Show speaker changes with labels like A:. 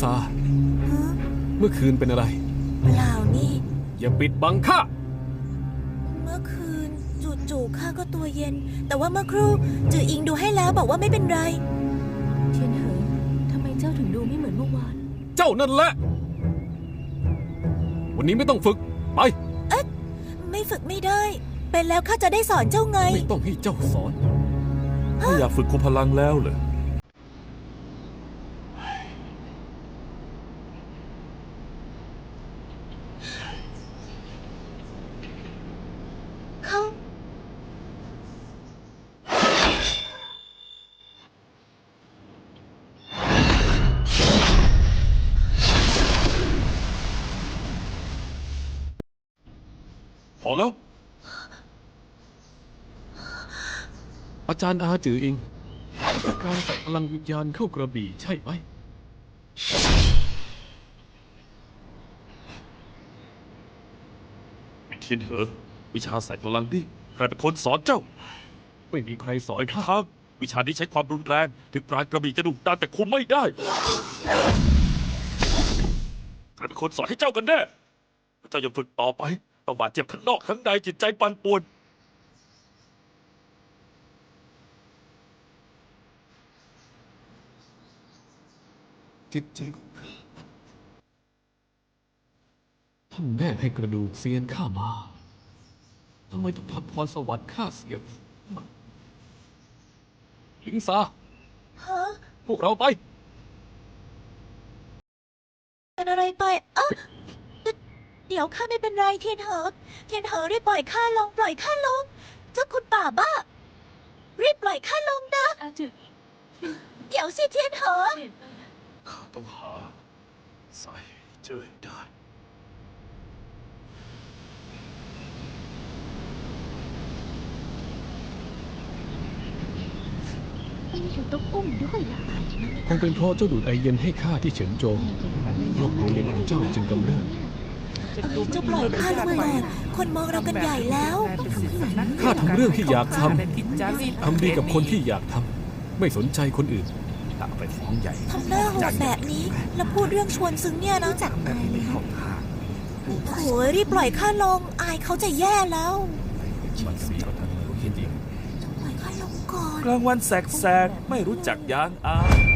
A: ซาเมื่อคืนเป็นอะไร
B: เปล่านี่
A: อย่าปิดบังข้า
B: เมื่อคืนจู่ๆข้าก็ตัวเย็นแต่ว่าเมื่อครู่จืออิงดูให้แล้วบอกว่าไม่เป็นไร
C: เทียนเหอทำไมเจ้าถึงดูไม่เหมือนเมื่อวาน
A: เจ้านั่นแหละวันนี้ไม่ต้องฝึกไป
B: ไม่ฝึกไม่ได้เป็นแล้วข้าจะได้สอนเจ้าไง
A: ไม่ต้องให้เจ้าสอน
D: ไม่อยากฝึกคุมพลังแล้วเหรอ
B: เขา
D: พอแล้ว
A: อาจารย์อาจืออิงการใส่พลังวิญญาณเข้ากระบี่ใช่ไหม
D: เทียนเหอวิชาใส่พลังนี่ใครเป็นคนสอนเจ้า
A: ไม่มีใครสอนข้า
D: ครับวิชานี้ใช้ความรุนแรงถึงปราณกระบี่จะดุดันแต่คุมไม่ได้ใครเป็นคนสอนให้เจ้ากันแน่เจ้าอย่าฝึกต่อไปต้องบาดเจ็บทั้งนอกทั้งในจิตใจปั่นป่วน
A: จิตใจท่านแม่ให้กระดูกเซียนข้ามาทำไมต้องทำพรสวรรค์ข้าเสียหลิงซาพวกเราไป
B: เป็นอะไรไปเดี๋ยวข้าไม่เป็นไรเทียนเหอรีบปล่อยข้าลงเจ้าคุณป่าบ้ารีบปล่อยข้าลงนะ
C: จือ
B: เดี๋ยวสิเทียนเหอ
D: ข้าต้องหาสายเจอให้ได้
C: ทำไมถึงต้องอุ้มด้วยล่ะ
A: คงเป็นเพราะเจ้าดูดไอเย็นให้ข้าที่เฉินโจวโรคหัวเย็นของเจ้าจึงกำเริบ
B: เจ้าปล่อยข้าลงก่อนคนมองเรากันใหญ่แล้ว
A: ข้าทำเรื่องที่อยากทำดีกับคนที่อยากทำไม่สนใจคนอื่น
D: ไปฟ้องใหญ่
B: ทำหน้าโหดแบบนี้แล้วพูดเรื่องชวนซึ้งเนี่ยนะจักอายเลยโอ้ยรีบปล่อยข้าลงอายเขาจะแย่แล้วปล่อยข้าลงก่อน
D: กลางวันแสกๆไม่รู้จักยางอาย